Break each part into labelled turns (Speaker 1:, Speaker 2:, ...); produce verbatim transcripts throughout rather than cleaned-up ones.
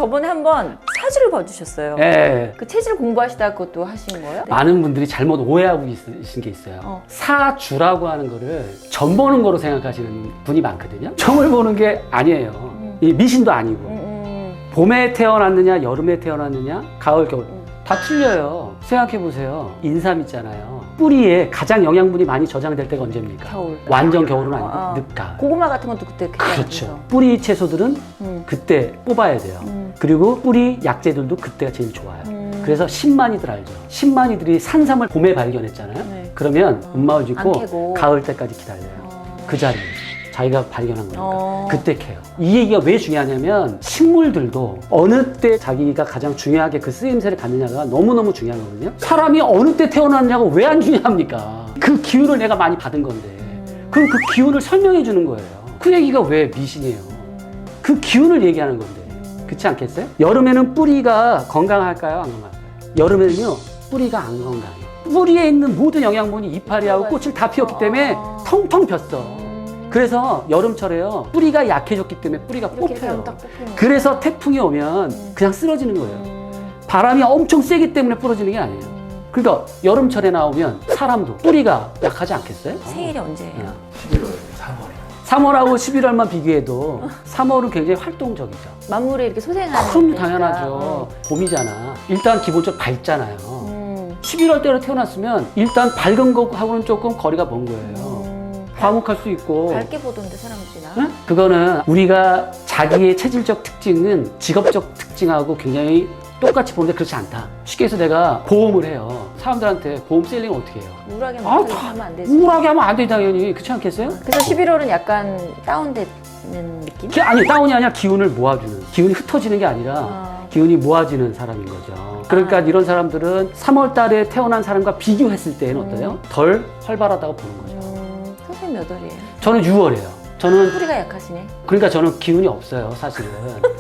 Speaker 1: 저번에 한번 사주를 봐주셨어요.
Speaker 2: 예.
Speaker 1: 그 체질 공부하시다가 그것도 하신 거예요? 네.
Speaker 2: 많은 분들이 잘못 오해하고 있, 있는 게 있어요.
Speaker 1: 어.
Speaker 2: 사주라고 하는 거를 점 보는 거로 생각하시는 분이 많거든요. 점을 보는 게 아니에요.
Speaker 1: 음.
Speaker 2: 이 미신도 아니고.
Speaker 1: 음, 음.
Speaker 2: 봄에 태어났느냐, 여름에 태어났느냐, 가을, 겨울.
Speaker 1: 음.
Speaker 2: 다 틀려요. 생각해보세요. 인삼 있잖아요. 뿌리에 가장 영양분이 많이 저장될 때가 언제입니까?
Speaker 1: 겨울.
Speaker 2: 완전 겨울은 아니고
Speaker 1: 어, 어.
Speaker 2: 늦가을.
Speaker 1: 고구마 같은 것도 그때 그때
Speaker 2: 그렇죠.
Speaker 1: 하면서.
Speaker 2: 뿌리 채소들은
Speaker 1: 음.
Speaker 2: 그때 뽑아야 돼요.
Speaker 1: 음.
Speaker 2: 그리고 뿌리 약재들도 그때가 제일 좋아요.
Speaker 1: 음.
Speaker 2: 그래서 신만이들 알죠? 신만이들이 산삼을 봄에 발견했잖아요.
Speaker 1: 네.
Speaker 2: 그러면
Speaker 1: 어.
Speaker 2: 음마을
Speaker 1: 안
Speaker 2: 짓고
Speaker 1: 캐고.
Speaker 2: 가을 때까지 기다려요.
Speaker 1: 어.
Speaker 2: 그 자리에 자기가 발견한 거니까
Speaker 1: 어.
Speaker 2: 그때 캐요. 이 얘기가 왜 중요하냐면 식물들도 어느 때 자기가 가장 중요하게 그 쓰임새를 갖느냐가 너무너무 중요하거든요. 사람이 어느 때 태어났냐고 왜 안 중요합니까? 그 기운을 내가 많이 받은 건데
Speaker 1: 음.
Speaker 2: 그럼 그 기운을 설명해 주는 거예요. 그 얘기가 왜 미신이에요? 그 기운을 얘기하는 건데 그렇지 않겠어요? 여름에는 뿌리가 건강할까요? 안 건강할까요? 여름에는요 뿌리가 안 건강해요. 뿌리에 있는 모든 영양분이 이파리하고 꽃을 다 피웠기 때문에 텅텅 폈어. 그래서 여름철에요 뿌리가 약해졌기 때문에 뿌리가
Speaker 1: 이렇게
Speaker 2: 뽑혀요.
Speaker 1: 하면 딱 뽑히는
Speaker 2: 그래서 태풍이 오면
Speaker 1: 음.
Speaker 2: 그냥 쓰러지는 거예요.
Speaker 1: 음.
Speaker 2: 바람이 엄청 세기 때문에 부러지는 게 아니에요. 그러니까 여름철에 나오면 사람도 뿌리가 약하지 않겠어요?
Speaker 1: 생일이 언제예요?
Speaker 3: 십일월 삼월에.
Speaker 2: 삼월하고 십일월만 비교해도 삼월은 굉장히 활동적이죠.
Speaker 1: 만물에 이렇게 소생하는
Speaker 2: 그럼
Speaker 1: 때니까.
Speaker 2: 당연하죠.
Speaker 1: 어.
Speaker 2: 봄이잖아. 일단 기본적으로 밝잖아요.
Speaker 1: 음.
Speaker 2: 십일월 때로 태어났으면 일단 밝은 거하고는 조금 거리가 먼 거예요.
Speaker 1: 음.
Speaker 2: 과묵할 수 있고.
Speaker 1: 밝게 보던데 사람들이나.
Speaker 2: 응? 그거는 우리가 자기의 체질적 특징은 직업적 특징하고 굉장히 똑같이 보는데 그렇지 않다. 쉽게 해서 내가 보험을 해요. 사람들한테 보험 셀링을 어떻게 해요?
Speaker 1: 우울하게
Speaker 2: 아,
Speaker 1: 막
Speaker 2: 다
Speaker 1: 하면 안 되지.
Speaker 2: 우울하게 하면 안 돼, 당연히. 그렇지 않겠어요?
Speaker 1: 그래서 십일월은 약간 다운되는 느낌?
Speaker 2: 기- 아니, 다운이 아니라 기운을 모아주는. 기운이 흩어지는 게 아니라
Speaker 1: 아.
Speaker 2: 기운이 모아지는 사람인 거죠. 그러니까
Speaker 1: 아.
Speaker 2: 이런 사람들은 삼월 달에 태어난 사람과 비교했을 때는 어때요?
Speaker 1: 음.
Speaker 2: 덜 활발하다고 보는 거죠.
Speaker 1: 음, 선생님 몇 월이에요?
Speaker 2: 저는 유월이에요. 저는
Speaker 1: 뿌리가 약하시네.
Speaker 2: 그러니까 저는 기운이 없어요, 사실은.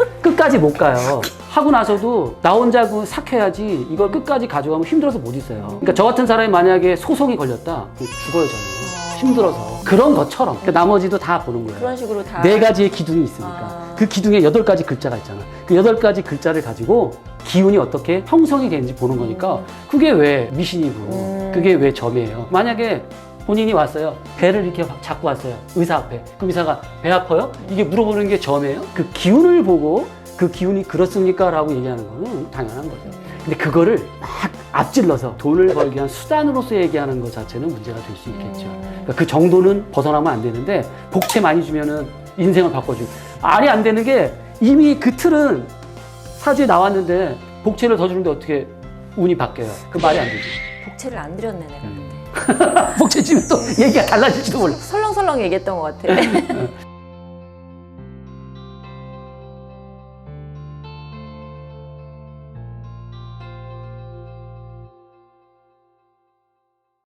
Speaker 2: 끝까지 못 가요. 하고 나서도 나 혼자 그 삭혀야지 이걸 끝까지 가져가면 힘들어서 못 있어요. 그러니까 저 같은 사람이 만약에 소송이 걸렸다, 그럼 죽어요, 저는. 힘들어서. 그런 것처럼. 그러니까 나머지도 다 보는 거예요.
Speaker 1: 그런 식으로 다.
Speaker 2: 네 가지의 기둥이 있으니까.
Speaker 1: 아.
Speaker 2: 그 기둥에 여덟 가지 글자가 있잖아. 그 여덟 가지 글자를 가지고 기운이 어떻게 형성이 되는지 보는 거니까
Speaker 1: 음.
Speaker 2: 그게 왜 미신이고
Speaker 1: 음.
Speaker 2: 그게 왜 점이에요. 만약에 본인이 왔어요. 배를 이렇게 잡고 왔어요. 의사 앞에. 그럼 의사가 배 아파요? 이게 물어보는 게 점이에요? 그 기운을 보고 그 기운이 그렇습니까? 라고 얘기하는 거는 당연한 거죠. 근데 그거를 막 앞질러서 돈을 벌기 위한 수단으로서 얘기하는 것 자체는 문제가 될 수 있겠죠.
Speaker 1: 음.
Speaker 2: 그러니까 그 정도는 벗어나면 안 되는데 복채 많이 주면은 인생을 바꿔주고 말이 안 되는 게 이미 그 틀은 사주에 나왔는데 복채를 더 주는데 어떻게 운이 바뀌어요? 그 말이 안 되지.
Speaker 1: 복채를 안 드렸네 내가
Speaker 2: 음.
Speaker 1: 그때.
Speaker 2: 복채 주면 또 얘기가 달라질지도 몰라.
Speaker 1: 설렁설렁 얘기했던 것 같아.